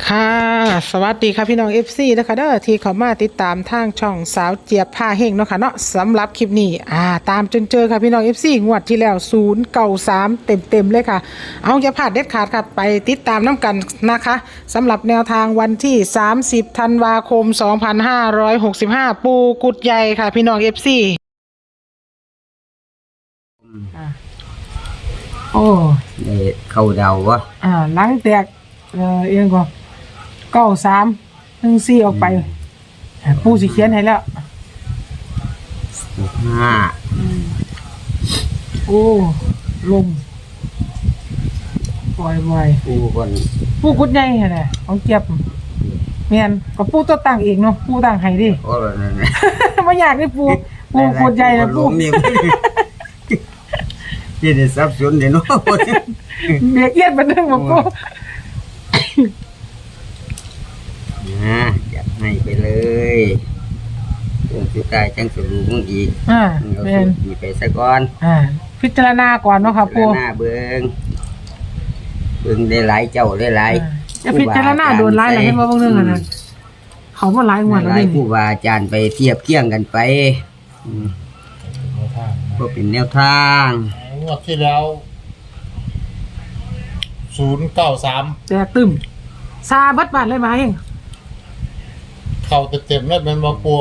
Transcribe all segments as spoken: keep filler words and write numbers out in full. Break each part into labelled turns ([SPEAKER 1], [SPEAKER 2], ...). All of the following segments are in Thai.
[SPEAKER 1] ค่ะสวัสดีค่ะพี่น้อง เอฟ ซี นะคะเด้อที่เขามาติดตามทางช่องสาวเจี๊ยบผ้าเฮงเนาะค่ะเนาะสำหรับคลิปนี้อ่าตามจนเจอค่ะพี่น้อง เอฟ ซี งวดที่แล้วศูนย์เก้าสามเต็มเต็มเลยค่ะเอาอย่าพลาดเด็ดขาดค่ะไปติดตามน้ำกันนะคะสำหรับแนวทางวันที่สามสิบธันวาคมสองพันห้าร้อยหกสิบห้าปูกุดใหญ่ค่ะพี่น้อง เอฟ ซี โอ้
[SPEAKER 2] ได้เข้าเดาวะ
[SPEAKER 1] อ่าหลังแตกเออเอียงก็เก้าสามหนึ่งสี่ออกไปปูสิเขียนให้แล้ว
[SPEAKER 2] ห้า
[SPEAKER 1] โอ้ลมปล่อยบ่อย
[SPEAKER 2] ปูคน
[SPEAKER 1] ปูกุดใหญ่แหละของเก็บเมียนก็ปูตัวตั้งเองเนาะปูตั้งให้ดิ
[SPEAKER 2] โอ้ยนั่น
[SPEAKER 1] ไม่อยากได้ปูปูกุดใหญ่นะปู
[SPEAKER 2] ที่ได้ทรัพย์สินเดี๋ยวนู้น
[SPEAKER 1] เบียกเอียดมาเรื่องของปู
[SPEAKER 2] นะอยากให้ไปเลยตัวสุดท้ายจังสรุปมึงอีก
[SPEAKER 1] อ่าเป็น
[SPEAKER 2] มีไปสักก่อน
[SPEAKER 1] อ่าพิจารณาก่อนเนาะครับปู
[SPEAKER 2] พิจารณาเบิ้งเบิ้งได้หลายเจ้าได้หลาย
[SPEAKER 1] จะพิจารณาโดนหลายอะไรให้มาบ้างเรื่องนั้นเขามาหลายงวดแล้ว
[SPEAKER 2] นี่ผู้ว่าอาจารย์ไปเทียบเคียงกันไปก็เป็นแนวทาง
[SPEAKER 3] งวดที่แล้วศูนย์เก้าสาม
[SPEAKER 1] แจกตึมซาบัดบาดเลยมาเอง
[SPEAKER 3] เข่าเต็มๆแล้วเป็นมาปัว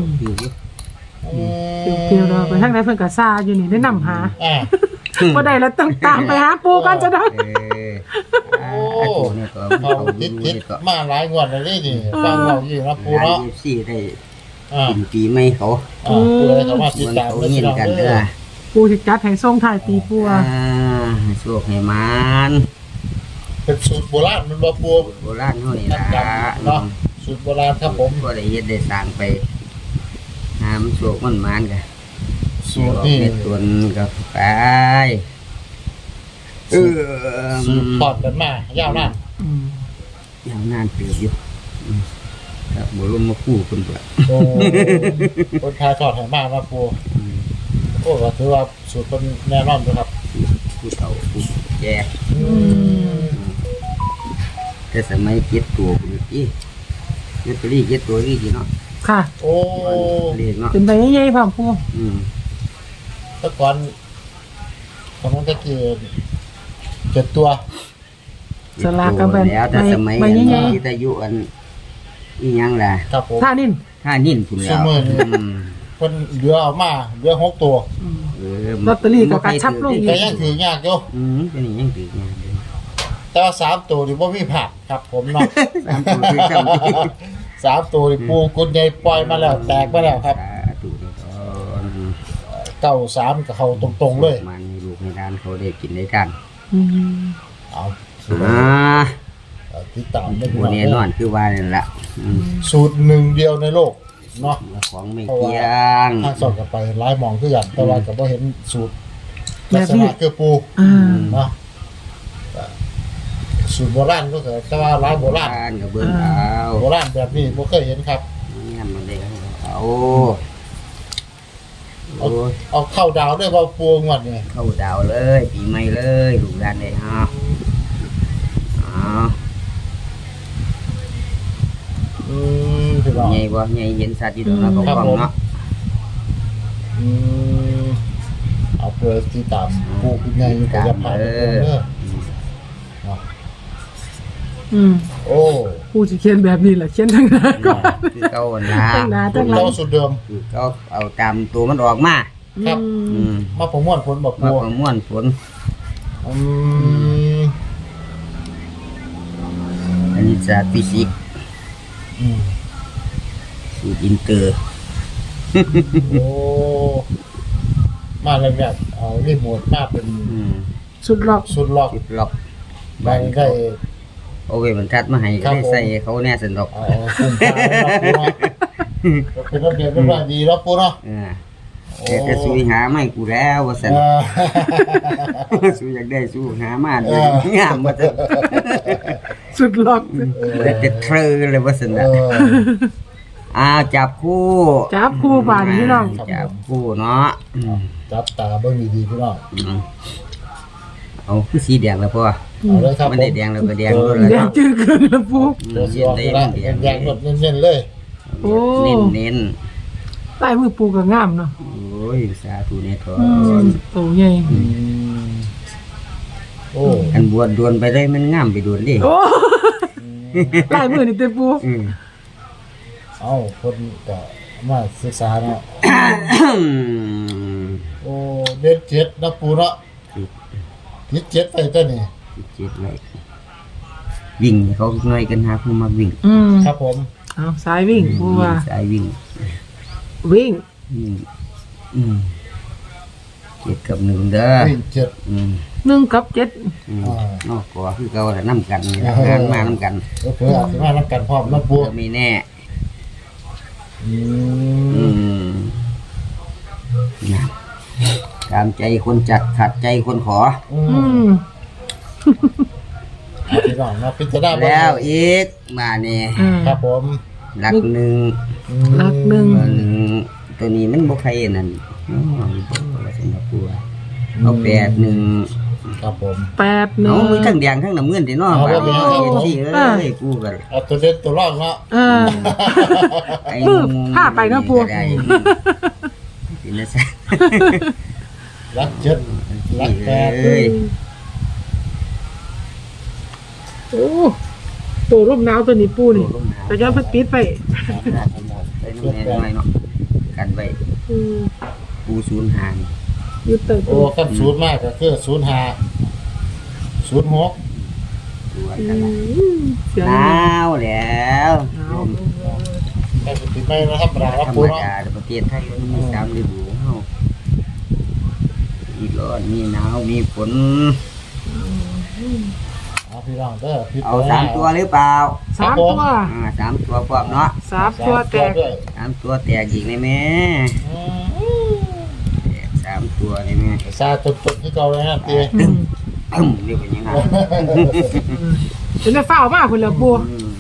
[SPEAKER 1] เกี่ยวเราไปทางไหนเพิ่นกับซาอยู่นี่ได้นำหาพอได้แล้วต้องตามไปหาปูกันจะได้
[SPEAKER 3] โอ้เขาติดติดมาหลายงวดเลยนี่ฟังเราอยู่นะปูเนาะ
[SPEAKER 2] สี่ได้กินปีไม่เขา
[SPEAKER 3] ปูเลยเขามาติดตาม
[SPEAKER 2] เงินกันเด้อ
[SPEAKER 1] ปูสิจัดให้ส่งท้ายปีปูอ่ะ
[SPEAKER 2] โชคให้มัน
[SPEAKER 3] เป็นสูตรโบราณมันบ่ปู
[SPEAKER 2] โบราณเฮานี่ล่ะ
[SPEAKER 3] เนาะสูตรโบราณครับผม
[SPEAKER 2] ก็ได้เฮ็ดได้สร้างไปหามันโชคมันมันกัน
[SPEAKER 3] สูตรนี่
[SPEAKER 2] ตัวก็ไป
[SPEAKER 3] เออสูตรทอดกันมายาวนาน
[SPEAKER 2] ยาวนานเติบอยู่ครับบ่ลงมาคู่เพิ่นตัว
[SPEAKER 3] โอ้คนทายทอดให้มามาปูโอ้ก็ถือว่าสูตรเป็นแน่นอนนะครับ
[SPEAKER 2] ผู้เฒ่าผู้แก่แต่สมัยเก็บตัวอีเก็บตัวนี้เก็บตัวนี้จีเนาะ
[SPEAKER 1] ค่ะ
[SPEAKER 3] โอ้
[SPEAKER 2] เรียกเนาะ
[SPEAKER 1] เป็นใบใหญ่ๆพ่อปู
[SPEAKER 2] อืม
[SPEAKER 3] แต่ก่อนตอนนั้นตะกี้เจ็ดตัว
[SPEAKER 1] สลากกับ
[SPEAKER 2] แล้วแต่สมัยที่ตะยุอันอีหยังล่ะ
[SPEAKER 3] ครับผม
[SPEAKER 1] ท่านิ่น
[SPEAKER 2] ท่านิ่นพุ่นแล้ว
[SPEAKER 3] เพิ่นเหลือเอามาเหลือหกตัว
[SPEAKER 2] เออ
[SPEAKER 1] ลอตเตอรี่ก็กระชับลงอีก
[SPEAKER 3] แต่ยังถือยากอยู่
[SPEAKER 2] อืมเป็นยังถือยากอยู่
[SPEAKER 3] แต่ว่าสามตัวนี่บ่มีผักครับผมเนาะสามตัวคือสามตัวนี่ปูกุญใหญ่ปล่อยมาแล้วแตกมาแล้วครับเก้าสามกับเขาตรงๆเลย
[SPEAKER 2] มันมีลูกในด้านเขาได้กินได้กัน
[SPEAKER 3] เอา
[SPEAKER 2] อ่า
[SPEAKER 3] ติดตามได้
[SPEAKER 2] หัวแน่นอนคือว่านี่แหละ
[SPEAKER 3] สูตรหนึ่งเดียวในโลกเนาะ
[SPEAKER 2] ของไม่เที่ยง
[SPEAKER 3] ทางสอดกันไปหลายหมองคือกันแต่ว่าก็บ่เห็นสูตรลักษณะคือปูเนาะสูตรโบราณก็คือแต่ว่าร้านโบราณ
[SPEAKER 2] กับเบิ้งเอา
[SPEAKER 3] โบราณแบบนี้บ่เคยเห็นครับ
[SPEAKER 2] งานมันเด็กเอา
[SPEAKER 3] เอาเอาเข้าดาวด้วยว่าปูงวดนี่
[SPEAKER 2] เข้าดาวเลยปีใหม่เลยลูกหลานได้ฮะอ๋อ
[SPEAKER 3] อืมคือว่า
[SPEAKER 2] ใหญ่บ่ใหญ่เห็นสัตว์อยู่ตรงนั้นก็ฟังเนาะ
[SPEAKER 3] อืมเอาเพื่อที่ตามปูคือใหญ่อยู่กับผ่านเด้อ
[SPEAKER 1] อืม
[SPEAKER 3] โอ้
[SPEAKER 1] ผู้จะเขียนแบบนี้แหละเขียนทั้งหน้าก่อน
[SPEAKER 2] คือเก่านะ
[SPEAKER 1] ทั้งหน้าทั้งหลัง
[SPEAKER 3] เก่าสุดเดิม
[SPEAKER 2] คือเก่าเอาตามตัวมันออกมา
[SPEAKER 3] ครับ
[SPEAKER 2] อืม
[SPEAKER 3] มาประมวลผลบอก
[SPEAKER 2] มาประมวลผล
[SPEAKER 3] อืม
[SPEAKER 2] อันนี้จะฟิสิกส์
[SPEAKER 3] อืม
[SPEAKER 2] สูตรอินเตอร์
[SPEAKER 3] โอ้มาเลยแบบเอารีโมทมาเป็น
[SPEAKER 1] สุดล็อก
[SPEAKER 3] สุดล็อก
[SPEAKER 2] สุดล็อก
[SPEAKER 3] ได้ได้
[SPEAKER 2] โอเคมันทัดมาให้ก็ได้ใส่เขาแน่สนุก
[SPEAKER 3] อ๋อคุ้มค่าเป็นระเบียบเรียบร้อยดีแล้วปูเนาะ
[SPEAKER 2] แต่จะสู้หาไม่กูแล้วว่าสันสู้อยากได้สู้หามาเลยงามมาจะ
[SPEAKER 1] สุดล็อก
[SPEAKER 2] แต่จะเทรเลยว่าสันนะอ้าวจับคู่
[SPEAKER 1] จับคู่ป่านพี่น้อง
[SPEAKER 2] จับคู่เนาะ
[SPEAKER 3] จับตาเบิ้งดีๆพี่น้อง
[SPEAKER 2] อเอาคือสีแดงแล้วพ่อ
[SPEAKER 3] เอาเลยครับ
[SPEAKER 2] มัน
[SPEAKER 3] ผ
[SPEAKER 2] ได้
[SPEAKER 3] ม
[SPEAKER 2] แดงแล้วก็แดงด้วยแล้ว
[SPEAKER 1] แด
[SPEAKER 2] ค
[SPEAKER 1] ง
[SPEAKER 2] รับ
[SPEAKER 1] จืดเกินแล้วปู
[SPEAKER 3] เดี๋ยวสิออกนี่ละแดงๆหมดเน้นๆเลย
[SPEAKER 1] โอ้
[SPEAKER 2] เน้นเน้น
[SPEAKER 1] ใต้มือปูก็งามเนาะ
[SPEAKER 2] โอ้ยสาธุเนี่ยทอ
[SPEAKER 1] อืมโตใหญ่
[SPEAKER 3] อืมโอ้
[SPEAKER 2] อันบวชดวนไปได้มันงามไปดวนดิ
[SPEAKER 1] โอ้ใต้มือนี่เต็มปู
[SPEAKER 2] อืม
[SPEAKER 3] เอาคนก็มาศึกษาเนาะโอ้เด็ดเจ็ดนะปูเนาะยึดเจ็ดไปตัวนี้
[SPEAKER 2] เจ็ดไว้วิ่งให้เขาหน่อยกันหาผู้มาวิ่ง
[SPEAKER 1] อืม
[SPEAKER 3] ครับผม
[SPEAKER 1] เอาสายวิ่งปูว่า
[SPEAKER 2] สายวิ่ง
[SPEAKER 1] วิ่ง
[SPEAKER 2] วิ่งอืมเจ็ดกับหนึ่งเด้อ
[SPEAKER 3] วิ่งเจ็ด
[SPEAKER 2] อืม
[SPEAKER 1] หนึ่งกับเจ็ด
[SPEAKER 2] อืม
[SPEAKER 3] อ่า
[SPEAKER 2] นอกกัวคือเก่าแต่น้ำกันนี่ล่ะงานมาน้ำกัน
[SPEAKER 3] ก็คืออาจจะมาทำกันพร้อมนะปู
[SPEAKER 2] ก็ไม่แน่
[SPEAKER 3] อื
[SPEAKER 2] อื
[SPEAKER 3] ม
[SPEAKER 2] มนะตามใจคนจัดขัดใจคนขอ
[SPEAKER 3] อื
[SPEAKER 1] อื
[SPEAKER 3] ม
[SPEAKER 1] ม
[SPEAKER 3] เอาพี่น้องนะพิจารณาเบิ่ง
[SPEAKER 2] แล้วอีกมาเนี่ย
[SPEAKER 1] อืม
[SPEAKER 3] ครับผม
[SPEAKER 2] หลักหนึ่ง
[SPEAKER 3] อืม
[SPEAKER 1] หลักหนึ่ง
[SPEAKER 2] ตัวหนึ่งตัวนี้มันบ่ใครนั่นอ๋อบ่ว่าสินะปัวเอาแปดหนึ่ง
[SPEAKER 3] ครับผม
[SPEAKER 1] แปดหนึ่
[SPEAKER 2] เอา
[SPEAKER 1] ง
[SPEAKER 2] มีทั้งแดงทั้งน้ำเงินที่เนาะ
[SPEAKER 3] เอา
[SPEAKER 2] บาด
[SPEAKER 3] เอา
[SPEAKER 2] นี้
[SPEAKER 3] เอา
[SPEAKER 2] เฮ็ดสิเอ้ยกูก็
[SPEAKER 3] เอาตัวเด็ดตัวรองเนาะ
[SPEAKER 1] เออ
[SPEAKER 2] ไอ้
[SPEAKER 1] มือผ้าไปเนาะปัว
[SPEAKER 2] ก็ได้สินะซะ
[SPEAKER 3] รักเจ็ดรักแปด
[SPEAKER 2] เอ้ย
[SPEAKER 1] โอ้ตัวรูปหนาวตัวนี้ปูนี่แต่ย้อนเพัดปิดไป
[SPEAKER 2] ไปน้ำแน่น้อยเนาะกันไว้
[SPEAKER 1] อืม
[SPEAKER 2] ปูศูนย์หาง
[SPEAKER 1] อยืดเติม
[SPEAKER 3] โอ้ขั้นศูนย์มากก็คือศูนย์ห้าศูนย์หก
[SPEAKER 2] ตัว
[SPEAKER 1] อื
[SPEAKER 2] กันละ
[SPEAKER 1] มเสียง
[SPEAKER 2] หนาวแล้ว
[SPEAKER 1] หนาว
[SPEAKER 3] แค่ติดไม่นะธรรมดา
[SPEAKER 2] ธ
[SPEAKER 3] ครับ
[SPEAKER 2] รร
[SPEAKER 3] ปู
[SPEAKER 2] ม
[SPEAKER 3] เนาะ
[SPEAKER 2] ดาประเทศไทยมันมีสามฤดูเฮามีร้อนมีหนาวมีฝน
[SPEAKER 3] เอาพี่น้องเด้อพี่
[SPEAKER 2] เอาสามตัวหรือเปล่า
[SPEAKER 1] สามตัว
[SPEAKER 2] อ่าสามตัวพร้อมเนาะ
[SPEAKER 1] สามตัวแตก
[SPEAKER 3] ด้วย
[SPEAKER 2] สามตัวแตกอีกเลยแม่
[SPEAKER 3] อืม
[SPEAKER 2] แตกสามตัวเลยแม่
[SPEAKER 3] ซาตุดๆที่เก่าเลยนะตี
[SPEAKER 1] อืม
[SPEAKER 2] ตึ้มเรียกว่ายังไง
[SPEAKER 1] เป็นได้เฝ้ามากคุณเหลือปู
[SPEAKER 2] อืม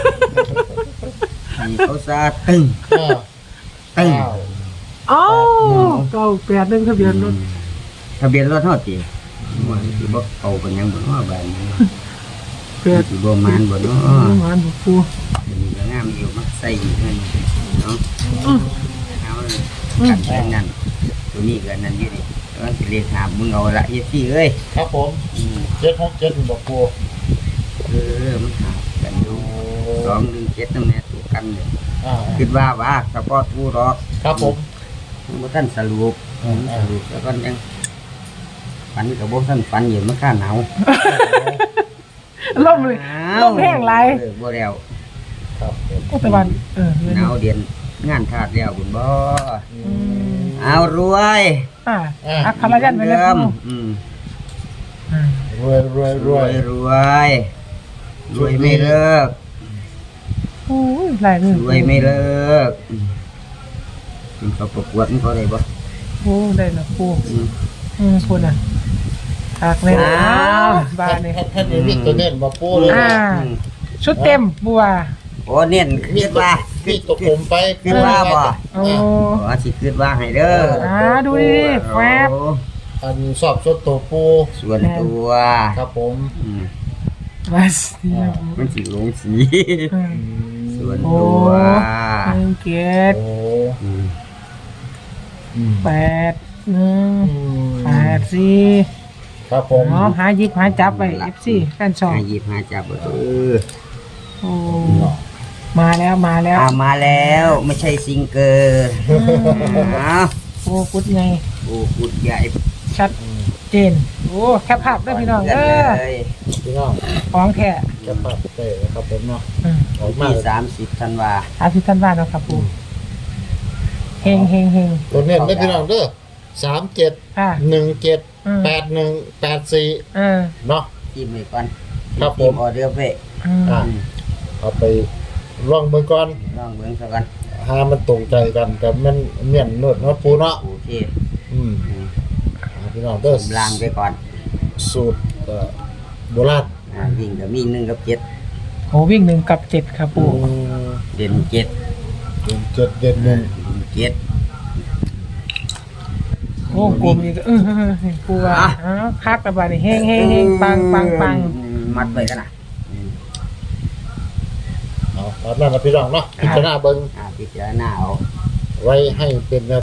[SPEAKER 2] นี่เขาซาตึ้ง
[SPEAKER 3] เออ
[SPEAKER 2] ตึ้ง
[SPEAKER 3] อ้าว
[SPEAKER 1] อ๋อเก้าแปดหนึ่งทะเบียนรถ
[SPEAKER 2] ทะเบียนรถเท่าจีมันสิบ่เอาเป็นหยังบ่เนาะบ้านนี้
[SPEAKER 1] แปด
[SPEAKER 2] สิบ่มานบ่เนาะ
[SPEAKER 1] หวานปู
[SPEAKER 2] เดี๋ยวนี้ก็งามอยู่มักใส่อีกนั่นเนาะ
[SPEAKER 1] อืม
[SPEAKER 2] เอาเลยกันไปนั่นตัวนี้ก็นั่นอยู่นี่แล้วสิเรียกหามึงเอาละเฮ็ดสิเอ้ย
[SPEAKER 3] ครับผม
[SPEAKER 2] อืม
[SPEAKER 3] เจ็ดหกเจ็ดบอกปู
[SPEAKER 2] เออมันหากันอยู่สองหนึ่งเจ็ดนั่นแหละตัวกันเนี่ย
[SPEAKER 3] อ่า
[SPEAKER 2] คิดว่าว่าเฉพาะผู้รอก
[SPEAKER 3] ครับผม
[SPEAKER 2] บ่ท่านสรุป
[SPEAKER 3] อืม
[SPEAKER 2] สรุปแล้วก็ยังฝันกับบ่ท่านฝันอยู่มันค่าหนาว
[SPEAKER 1] ล่มเลยล่มแห้งไร
[SPEAKER 2] เออบ่แล้ว
[SPEAKER 3] ครับผม
[SPEAKER 1] โอ้ตะวันเออ
[SPEAKER 2] หนาวเดือนงานทาดแล้วบุญบ่
[SPEAKER 3] อื
[SPEAKER 1] อื
[SPEAKER 3] ม
[SPEAKER 1] ม
[SPEAKER 2] เอารวย
[SPEAKER 1] อ่าอักขระยันไปเลย
[SPEAKER 2] เดิม
[SPEAKER 1] ปู
[SPEAKER 2] อืม
[SPEAKER 1] อ่าร
[SPEAKER 3] วยรวยร
[SPEAKER 2] ร
[SPEAKER 3] ว
[SPEAKER 2] วย ยรวยรวยไม่เลิก
[SPEAKER 1] โอ้ยหลายมือ
[SPEAKER 2] รวยไม่เลิกอืมเป็นเขาประกวดมันเขาได้บ่
[SPEAKER 1] โอ้ได้ละปู
[SPEAKER 2] อืม
[SPEAKER 1] อืมคุณอ่ะหักเลย
[SPEAKER 2] อ้าว
[SPEAKER 1] บ้านนี่
[SPEAKER 3] ท่านท่านมีวิตัวเน้นบอกปูเลย
[SPEAKER 1] อ่า
[SPEAKER 2] อืม
[SPEAKER 1] ชุดเต็มบัว
[SPEAKER 2] โอ้เน้นคิดว่า
[SPEAKER 3] มีตกผมไป
[SPEAKER 2] คิดว่าบ่
[SPEAKER 1] โอ้
[SPEAKER 2] อ๋อสิคิดว่าให้เด้อ
[SPEAKER 1] อ่าดูดิแฟบ
[SPEAKER 2] โอ้
[SPEAKER 3] อันสอบสดตัวปู
[SPEAKER 2] ส่วนตัว
[SPEAKER 3] ครับผม
[SPEAKER 2] อืม
[SPEAKER 1] มาสิ
[SPEAKER 2] มันสิลงสี
[SPEAKER 1] อืม
[SPEAKER 2] ส่วน
[SPEAKER 1] โอ้
[SPEAKER 2] ตัว
[SPEAKER 1] หนึ่งเกียรติ
[SPEAKER 3] โอ้
[SPEAKER 2] อืม
[SPEAKER 3] อืม
[SPEAKER 1] แปดหนึ่ง
[SPEAKER 3] อืม
[SPEAKER 1] แปดสี่
[SPEAKER 3] ครับผม
[SPEAKER 1] เนาะหาหยิบหาจับไปเอฟซีกันสอง
[SPEAKER 2] หาหยิบหาจับเออ
[SPEAKER 1] โอ้มาแล้วมาแล้ว
[SPEAKER 2] อามาแล้วไม่ใช่ซิงเกอร์อ้าว
[SPEAKER 1] โอ้กุดไง
[SPEAKER 2] โอ้กุดใหญ่
[SPEAKER 1] ชัดเจนโอ้แคปภาพได้พี่น้อง
[SPEAKER 2] กั
[SPEAKER 1] เด้
[SPEAKER 2] น
[SPEAKER 1] อ
[SPEAKER 2] เลย
[SPEAKER 3] พี่น้อง
[SPEAKER 1] ของแท้
[SPEAKER 3] จะปัดเตะนะครับผมเนาะ
[SPEAKER 1] อืม
[SPEAKER 3] ออกมา
[SPEAKER 2] ที่สามสิบธันวา
[SPEAKER 1] อาทิตย์ท่านบ้านเนาะครับปูเฮงเฮงเฮง
[SPEAKER 3] ตัวเน้นได้พี่น้องเด้อสามเจ็ด
[SPEAKER 1] ค่ะ
[SPEAKER 3] หนึ่งเจ็ด
[SPEAKER 1] อืม
[SPEAKER 3] แปดหนึ่งแปดสี่
[SPEAKER 1] เออ
[SPEAKER 3] เนาะ
[SPEAKER 2] จิ้มไปก่อน
[SPEAKER 3] ครับผม
[SPEAKER 2] จิ้ออเดอร์ไป
[SPEAKER 1] อืม
[SPEAKER 3] อ่าเอาไปลองมือก่อน
[SPEAKER 2] ลองเบิ่งสักก่อน
[SPEAKER 3] หามันตรงใจกันแต่มันเมียนนวดเนาะปูเนาะ
[SPEAKER 2] โอเค
[SPEAKER 3] อืม
[SPEAKER 2] อืม
[SPEAKER 3] อ่าพี่น้องเด้อ
[SPEAKER 2] ลางไปก่อน
[SPEAKER 3] สูตรเอ่อโบราณ
[SPEAKER 2] อ่าวิ่งกับมีหนึ่งกับเจ็ด
[SPEAKER 1] โหวิ่งหนึ่งกับเจ็ดครับปู
[SPEAKER 3] อืม
[SPEAKER 2] เด่นเจ็ด
[SPEAKER 3] เด่นเจ็ดเด่นหนึ่ง
[SPEAKER 2] เด่นเจ็ด
[SPEAKER 1] วงกลมอีกเออปูว่าอ้าวคักกระบาดนี่เฮงเฮงเฮงปังปังปัง
[SPEAKER 2] มัดไว้กันนะ
[SPEAKER 3] เอาตามนั้นนะพี่น้องเนาะพิจารณาเบิ่ง
[SPEAKER 2] อ่าพิจารณาเอา
[SPEAKER 3] ไว้ให้เป็น